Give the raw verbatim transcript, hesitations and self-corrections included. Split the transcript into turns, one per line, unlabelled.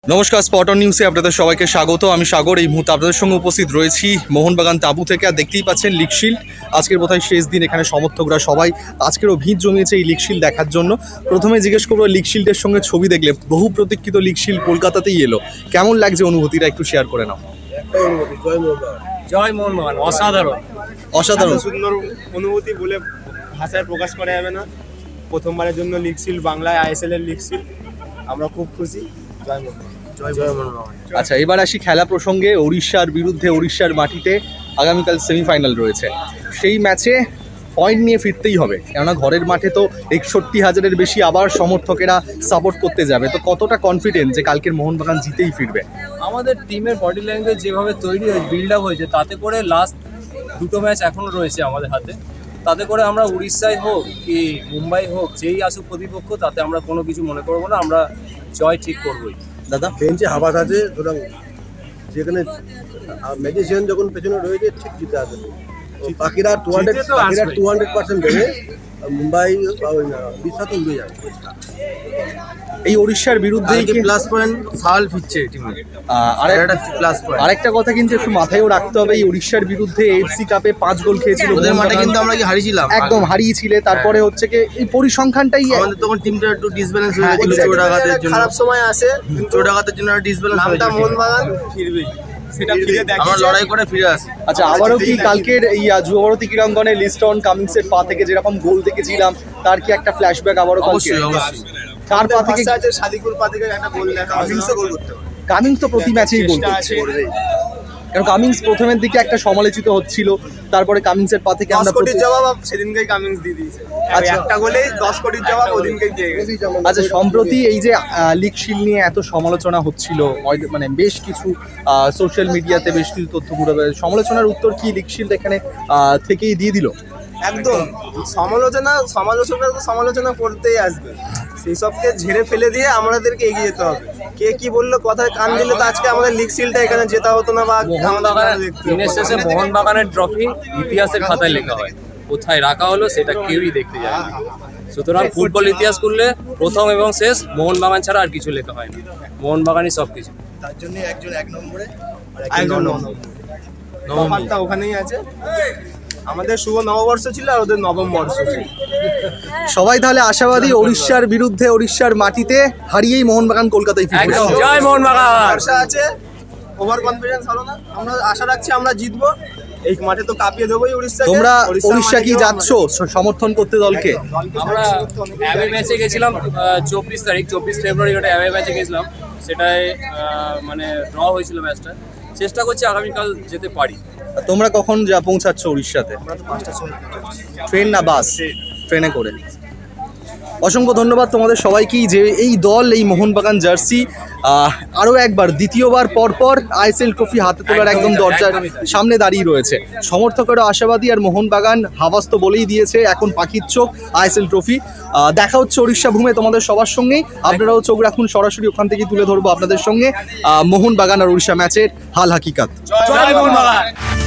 নমস্কার, spot on নিউজে আপনাদের সবাইকে স্বাগত। আমি সাগর। এই মুহূর্তে আপনাদের সঙ্গে উপস্থিত রয়েছি মোহনবাগান তাঁবু থেকে। আর দেখতেই পাচ্ছেন লিগ শিল্ড আজকের বোধহয় শেষ দিন। এখানে সমর্থকরা সবাই আজকেরও ভিড় জমিয়েছে এই লিগ শিল্ড দেখার জন্য। প্রথমে জিজ্ঞেস করবো, লিগ শিল্ডের সঙ্গে ছবি দেখলে, বহু প্রতীক্ষিত লিগ শিল্ড কলকাতাতেই এলো, কেমন লাগছে অনুভূতিটা একটু শেয়ার করে নাও।
জয় মোহনবাগান, অসাধারণ
অসাধারণ
সুন্দর অনুভূতি বলে ভাষায় প্রকাশ করা যাবে না। প্রথমবারের জন্য লিগ শিল্ড বাংলায়, আইএসএল এর লিগ শিল্ড, আমরা খুব খুশি। জয় মোহনবাগান, জয় মোহনবাগান।
আচ্ছা, এবার আসি খেলা প্রসঙ্গে। উড়িষ্যার বিরুদ্ধে উড়িষ্যার মাটিতে আগামীকাল সেমিফাইনাল রয়েছে। সেই ম্যাচে পয়েন্ট নিয়ে ফিরতেই হবে, কেননা ঘরের মাঠে তো একষট্টি হাজারের বেশি আবার সমর্থকেরা সাপোর্ট করতে যাবে। তো কতটা কনফিডেন্ট যে কালকের মোহনবাগান জিতেই ফিরবে?
আমাদের টিমের বডি ল্যাঙ্গুয়েজ যেভাবে তৈরি হয়েছে, বিল্ড আপ হয়েছে, তাতে করে লাস্ট দুটো ম্যাচ এখনও রয়েছে আমাদের হাতে। তাতে করে আমরা উড়িষ্যায় হোক কি মুম্বাই হোক, যেই আসুক প্রতিপক্ষ, তাতে আমরা কোনো কিছু মনে করবো না। আমরা জয় ঠিক করবোই।
দাদা,
বেঞ্চে হাবাস আছে, সুতরাং যেখানে ম্যাজিশিয়ান যখন পেছনে রয়েছে ঠিক জিতে আসবে। বাকিরা টু হান্ড্রেড বাকিরা টু হান্ড্রেড পার্সেন্ট দেবে। মুম্বাই উড়িষ্যা তো উড়ে যাবে।
এই উড়িষ্যার বিরুদ্ধে
প্লাস পয়েন্ট সাল ফিরছে টিমে। প্লাস পয়েন্ট
আরেকটা কথা কিন্তু একটু মাথায়ও রাখতে হবে, এই উড়িষ্যার বিরুদ্ধে এফসি কাপে পাঁচ গোল খেয়েছিল
ওদের মাঠে, কিন্তু আমরা কি হারিয়েছিলাম,
একদম হারিয়েছিলে। তারপরে হচ্ছে কি এই পরিসংখ্যানটাই
আমাদের তখন টিমটা একটু ডিসব্যালেন্স হয়ে
হ্যাঁ,
গেছিল। চোট আঘাতের জন্য
খারাপ সময় আসে,
চোট আঘাতের জন্য ডিসব্যালেন্স হয়ে
নামটা
গেছিল।
মোহনবাগান ফিরবে, সেটা ফিরে
আমরা
দেখিয়েছে।
লড়াই করে ফিরে আসি।
আচ্ছা, আবারও কি কালকের এই যুবভারতী ক্রীড়াঙ্গনে লিস্টন কামিংসের পা থেকে যেরকম গোল দেখেছিলাম, তার কি একটা ফ্ল্যাশব্যাক আবারও কালকে?
অবশ্যই অবশ্যই
কার পা থেকে?
ভাষা আছে, সাদিকুল পা থেকে একটা গোল দেখা,
কামিংসও গোল করতে পারে।
কামিংস তো প্রতি ম্যাচেই গোল
চেষ্টা
করছে,
আছে।
কারণ কামিংস প্রথমের দিকে একটা সমালোচিত হচ্ছিল, তারপরে কামিংসের পা থেকে
দশ
আমরা
কোটির
প্রতি-
জবাব সেদিনকেই কামিংস দিয়ে দিয়েছে।
আচ্ছা।
একটা গোলেই দশ কোটির জবাব ওদিনকেই দিয়ে গেছে।
আচ্ছা, সম্প্রতি এই যে লিগ শিল্ড নিয়ে এত সমালোচনা হচ্ছিল, অয়- মানে বেশ কিছু সোশ্যাল মিডিয়াতে বেশ কিছু তথ্য ঘুরে বেড়ায়, সমালোচনার উত্তর কি লিগ শিল্ড এখানে আহ, থেকেই দিয়ে দিল?
একদম সমালোচনা সমালোচনা তো সমালোচনা করতেই আসবে, সেই সবকে ঝেড়ে ফেলে দিয়ে আমাদেরকে এগিয়ে যেতে হবে। কে কি বললো, কথায় কান দিলে তো আজকে আমাদের লিগ শিল্ডটা এখানে জেতা হতো না, বা
মোহনবাগানের দিনের শেষে মোহনবাগানের ট্রফি ইতিহাসের খাতায় লেখা হয়, কোথায় রাখা হলো সেটা কেউই দেখতে যায় না। সুতরাং ফুটবল ইতিহাস করলে প্রথম এবং শেষ মোহনবাগান ছাড়া আর কিছু লেখা হয় না। মোহনবাগানই সব কিছু।
তার জন্য একজন এক নম্বরে
একজন তফাৎটা ওখানেই আছে। আমাদের শুভ নববর্ষ ছিল আর ওদের নবম বর্ষ ছিল।
সবাই তাহলে আশাবাদী, উড়িষ্যার বিরুদ্ধে উড়িষ্যার মাটিতে হারিয়েই মোহনবাগান কলকাতায় ফিরবে।
একদম জয় মোহনবাগান।
আশা আছে, ওভার কনফিডেন্স হলো না। আমরা আশা রাখছি আমরা জিতবো। এই মাঠে তো কাঁপিয়ে দেবোই উড়িষ্যাকে।
তোমরা
উড়িষ্যার
উড়িষ্যা কি
মাঠে গিয়েও
যাচ্ছ সমর্থন করতে দলকে?
দলকে
আমরা
সাহায্য করতে অনেকেই
অ্যাওয়ে ম্যাচে গেছিলাম চব্বিশ তারিখ চব্বিশ ফেব্রুয়ারি, ওটা অ্যাওয়ে ম্যাচে গেছিলাম। সেটাই আহ, মানে ড্র হয়েছিল ম্যাচটা। চেষ্টা করছি আগামীকাল যেতে পারি।
তোমরা কখন যা পৌঁছাচ্ছ উড়িষ্যাতে?
আমরা তো পাঁচটার সময়
ট্রেন না বাস? ট্রেনে করে। অসংখ্য ধন্যবাদ তোমাদের সবাইকেই, যে এই দল, এই মোহনবাগান জার্সি আরও একবার দ্বিতীয়বার পরপর আইএসএল ট্রফি হাতে তোলার একদম
একদমই তাই,
দরজার
একদমই তাই।
সামনে দাঁড়িয়ে রয়েছে। সমর্থকেরা আশাবাদী, আর মোহনবাগান হাওয়াস তো বলেই দিয়েছে এখন পাখির চোখ আইএসএল ট্রফি। দেখা হচ্ছে উড়িষ্যা ভূমে তোমাদের সবার সঙ্গেই। আপনারাও চোখ রাখুন, সরাসরি ওখান থেকেই তুলে ধরবো আপনাদের সঙ্গে মোহনবাগান আর উড়িষ্যা ম্যাচের হাল হাকিকাত।
জয় মোহনবাগান।